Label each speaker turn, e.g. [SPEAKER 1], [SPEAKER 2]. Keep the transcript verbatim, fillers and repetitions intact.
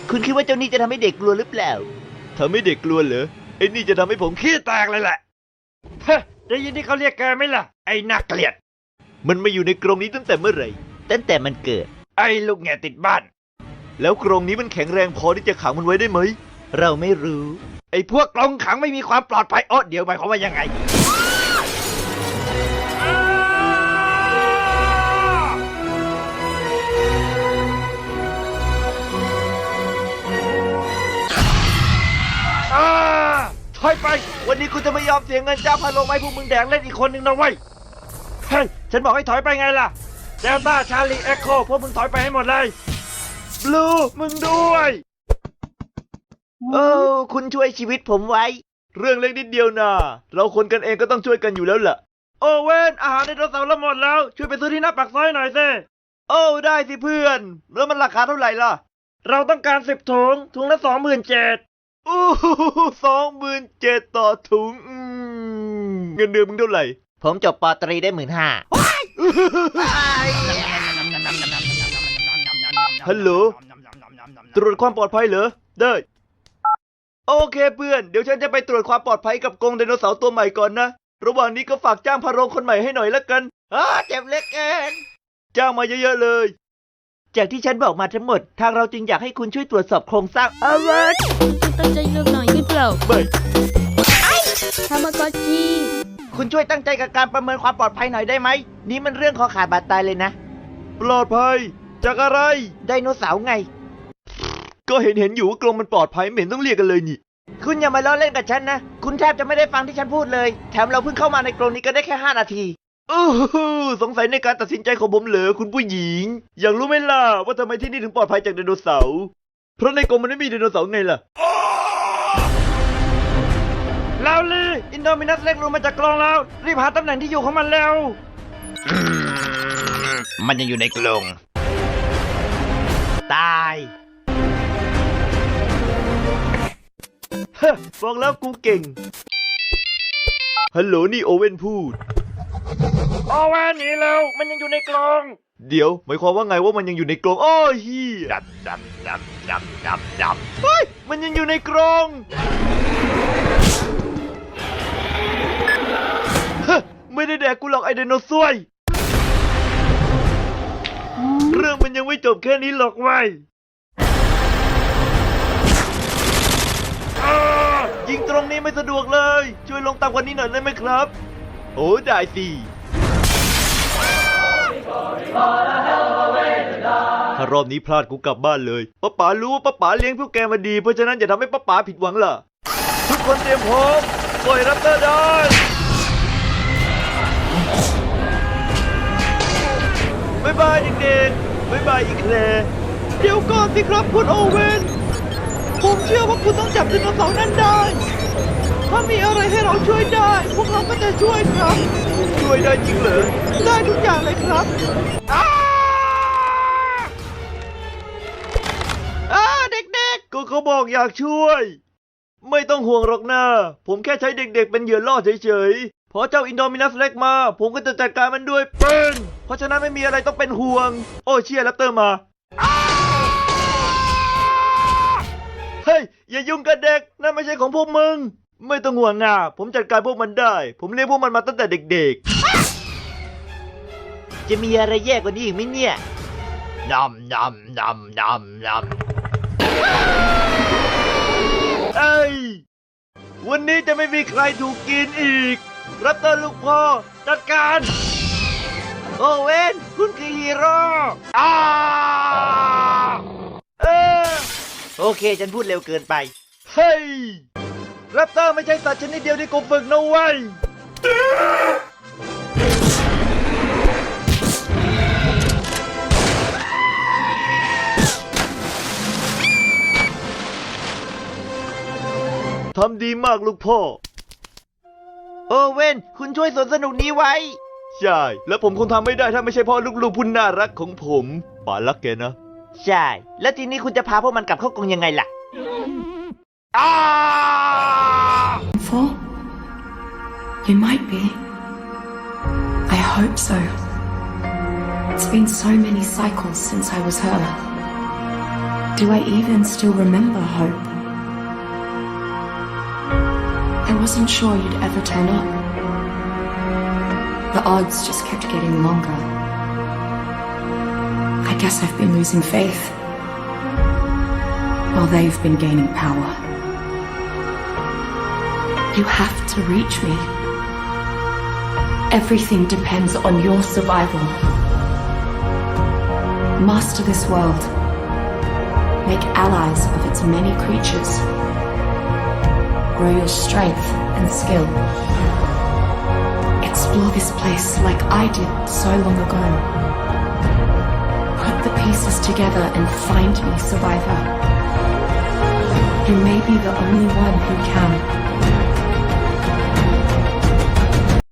[SPEAKER 1] คุณคิดว่าเจ้านี่จะทำให้เด็กกลัวหรือเปล่าทำให้เด็กกลัวเหรอไอ้นี่จะทำให้ผมขี้แตกเลยแหละเฮ้ได้ยินที่เขาเรียกแกไหมล่ะไอ้น่าเกลียดมันมาอยู่ในกรงนี้ตั้งแต่เมื่อไหร่ตั้งแต่มันเกิดไอ้ลูกแง่ติดบ้านแล้วกรงนี้มันแข็งแรงพอที่จะขังมันไว้ได้ไหมเราไม่รู้ไอ้พวกกรงขังไม่มีความปลอดภัยอ๋อเดี๋ยวหมายความว่ายังไงถอยไปวันนี้กูจะไม่ยอมเสียเงินจ้างพาลงไม้พวกมึงแดงเล่นอีกคนหนึ่งนะเว้ยเฮ้ยฉันบอกให้ถอยไปไงล่ะเดลต้าชาลีเอ็กโคพวกมึงถอยไปให้หมดเลยบลูมึงด้วยโอ้คุณช่วยชีวิตผมไว้เรื่องเล็กนิดเดียวนะเราคนกันเองก็ต้องช่วยกันอยู่แล้วล่ะโอเว่นอาหารในโทรศัพท์เราหมดแล้วช่วยไปซื้อที่หน้าปากซอยหน่อยสิโอ้ได้สิเพื่อนแล้วมันราคาเท่าไหร่ล่ะเราต้องการสิบถุงถุงละสองหมื่นเจ็ดโอ้สองหมื่นเจ็ดต่อถุงเงินเดือนมึงเท่าไหร่ผมจบปตรีได้หมื่นห้าฮัลโหลตรวจความปลอดภัยเหรอได้โอเคเพื่อนเดี๋ยวฉันจะไปตรวจความปลอดภัยกับกรงไดโนเสาร์ตัวใหม่ก่อนนะระหว่างนี้ก็ฝากจ้างพาโรงคนใหม่ให้หน่อยละกันอ้าเจ็บเล็กเองจ้างมาเยอะๆเลยจากที่ฉันบอกมาทั้งหมดทางเราจึงอยากให้คุณช่วยตรวจสอบโครงสร้างอาวัต
[SPEAKER 2] ตั้งใจเลือกหน่อยขึ้นเปล่า
[SPEAKER 1] ไม่
[SPEAKER 2] ทามากอจิ
[SPEAKER 1] คุณช่วยตั้งใจกับการประเมินความปลอดภัยหน่อยได้ไหมนี่มันเรื่องคอขาดบาดตายเลยนะปลอดภัยจากอะไรไดโนเสาร์ไงก็เห็นเห็นอยู่ว่ากรงมันปลอดภัยไม่เห็นต้องเรียกกันเลยนี่คุณอย่ามาล้อเล่นกับฉันนะคุณแทบจะไม่ได้ฟังที่ฉันพูดเลยแถมเราเพิ่งเข้ามาในกรงนี้ก็ได้แค่ห้านาทีอู้สงสัยในการตัดสินใจของผมเหรอคุณผู้หญิงอยากรู้ไหมล่ะว่าทำไมที่นี่ถึงปลอดภัยจากไดโนเสาร์เพราะในกรงมันไม่มีไดโนเสาร์ไงล่ะลาวลีอินโดมินัสเล็กลงมาจากกรงแล้วรีบหาตำแหน่งที่อยู่ของมันแล้วมันยังอยู่ในกรงตายเฮ้บอกแล้วกูเก่งฮัลโหลนี่โอเว่นพูดโอเว่นหนีแล้วมันยังอยู่ในกรงเดี๋ยวหมายความว่าไงว่ามันยังอยู่ในกรงอ้อเฮียดับดับดับดับดับดับเฮ้ยมันยังอยู่ในกรงเฮ้ไม่ได้แดกกูหรอกไอไดโนเสาร์เรื่องมันยังไม่จบแค่นี้หรอกไว้ยิงตรงนี้ไม่สะดวกเลยช่วยลงต่ำกว่านี้หน่อยได้ไหมครับโอ้ได้สิถ้ารอบนี้พลาดกูกลับบ้านเลยป้าป๋ารู้ว่าป้าป๋าเลี้ยงพวกแกมาดีเพราะฉะนั้นอย่าทำให้ป้าป๋าผิดหวังล่ะทุกคนเตรียมพร้อมปล่อยรับเตอร์ได้บ๊ายบายเด็กๆบ๊ายบายอีกแคร์เดี๋ยวก่อนสิครับคุณโอเว่นผมเชื่อว่าคุณต้องจับไดโนเสาร์นั่นได้ถ้ามีอะไรให้เราช่วยได้พวกเราก็จะช่วยครับช่วยได้จริงเหรอได้ทุกอย่างเลยครับอ้าอ้าเด็กๆก็เขาบอกอยากช่วยไม่ต้องห่วงหรอกนะผมแค่ใช้เด็กๆเป็นเหยื่อล่อเฉยๆพอเจ้าอินโดมินัสเล็กมาผมก็จะจัดการมันด้วยปืนเพราะฉะนั้นไม่มีอะไรต้องเป็นห่วงโอ้เชียร์แรปเตอร์มาเฮ้ยอย่ายุ่งกับเด็กนั่นไม่ใช่ของพวกมึงไม่ต้องห่วงนะผมจัดการพวกมันได้ผมเลี้ยงพวกมันมาตั้งแต่เด็กๆจะมีอะไรแย่กว่านี้อีกไหมเนี่ยนำนำนำนำนำเอ้ยวันนี้จะไม่มีใครถูกกินอีกรับเตอร์ลูกพ่อจัดการโอเว่นคุณคือฮีโร่อ้าเออโอเคฉันพูดเร็วเกินไปเฮ้ยแรปเตอร์ไม่ใช่สัตว์ชนิดเดียวที่กูฝึกนะเว้ยทำดีมากลูกพ่อโอเว่นคุณช่วยสวนสนุกนี้ไว้ใช่แล้วผมคงทำไม่ได้ถ้าไม่ใช่พ่อลูกๆผู้น่ารักของผมป๋ารักแกนะใช่แล้วทีนี้คุณจะพาพวกมันกลับเข้ากรงยังไงล่ะอ้า
[SPEAKER 3] For? You might be. I hope so. It's been so many cycles since I was her. Do I even still remember Hope? I wasn't sure you'd ever turn up. The odds just kept getting longer. I guess I've been losing faith, while they've been gaining power. You have to reach me. Everything depends on your survival. Master this world. Make allies of its many creatures. Grow your strength and skill. Explore this place like I did so long ago. Put the pieces together and find me, survivor. You may be the only one who can.